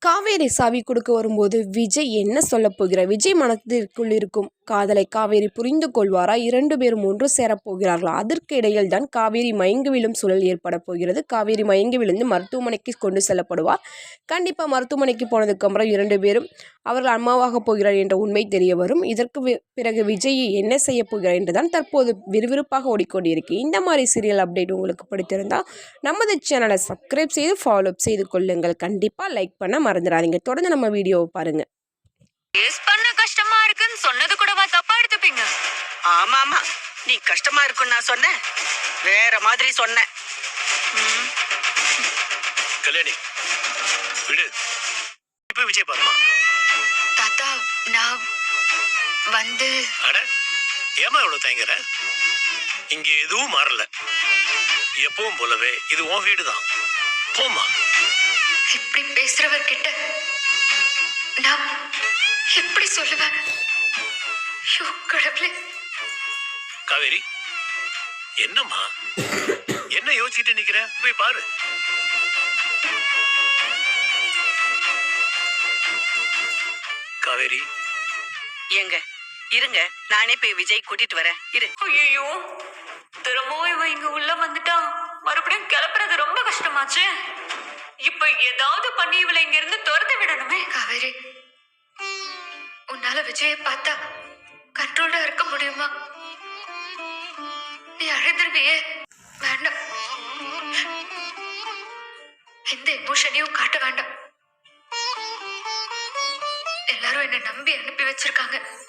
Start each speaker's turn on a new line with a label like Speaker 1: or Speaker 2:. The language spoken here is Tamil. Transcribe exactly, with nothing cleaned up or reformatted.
Speaker 1: காவேரி சாவி கொடுக்க வரும்போது விஜய் என்ன சொல்ல போகிறார்? விஜய் மனதிற்குள் இருக்கும் காதலை காவேரி புரிந்து கொள்வாரா? இரண்டு பேரும் ஒன்று சேரப் போகிறார்களா? அதற்கு இடையில் தான் காவேரி மயங்கி விழும் சூழல் ஏற்பட போகிறது. காவேரி மயங்கி விழுந்து மருத்துவமனைக்கு கொண்டு செல்லப்படுவார். கண்டிப்பாக மருத்துவமனைக்கு போனதுக்கு அப்புறம் இரண்டு பேரும் அவர்கள் அம்மாவாக போகிறார் என்ற உண்மை தெரிய வரும். இதற்கு பிறகு விஜய் என்ன செய்ய போகிறார் என்றுதான் தற்போது விறுவிறுப்பாக ஓடிக்கொண்டிருக்கு. இந்த மாதிரி சீரியல் அப்டேட் உங்களுக்கு பிடித்திருந்தால் நமது சேனலை சப்ஸ்கிரைப் செய்து ஃபாலோ செய்து கொள்ளுங்கள். கண்டிப்பாக லைக் பண்ண மறந்துடாதீங்க. தொடர்ந்து நம்ம வீடியோவை பாருங்க.
Speaker 2: கஷ்டமா இருக்குன்னு சொன்னது கூடவா தப்பா எடுத்துப்பீங்க?
Speaker 3: ஆமா ஆமா, நீ கஷ்டமா இருக்குன்னு நான் சொன்னேன், வேற மாதிரி சொன்னேன்.
Speaker 4: கல்யாணி விடு, இப்ப விஜய் பாருமா.
Speaker 2: தாத்தா நான் வந்து
Speaker 4: அட ஏமா இவ்வளவு தயங்குற? இங்க எதுவும் மாறல, எப்பவும் போலவே இது உன் வீடுதான். போமா.
Speaker 2: இப்படி பேசுறவர்கிட்ட நான் எப்படி சொல்லுவேன்? கடவுளே.
Speaker 4: காவேரி என்னம்மா, என்ன யோசிச்சுட்டு நிக்கிற? போய் பாரு. காவேரி
Speaker 3: எங்க இருங்க, நானே போய் விஜய் கூட்டிட்டு வரேன். இரு.
Speaker 2: ஐயோ, திரும்பவும் இவ இங்க உள்ள வந்துட்டா மறுபடியும் கிளப்புறது ரொம்ப கஷ்டமாச்சு. இப்ப ஏதாவது பண்ணி இவளை இங்க இருந்து துரத்த விடணுமே. காவேரி, உன்னால விஜய பார்த்தா கண்ட்ரோலா இருக்க முடியுமா? நீ அழுதுருவியே. வேண்டாம், எந்த எமோஷனையும் காட்ட வேண்டாம். எல்லாரும் என்ன நம்பி அனுப்பி வச்சிருக்காங்க.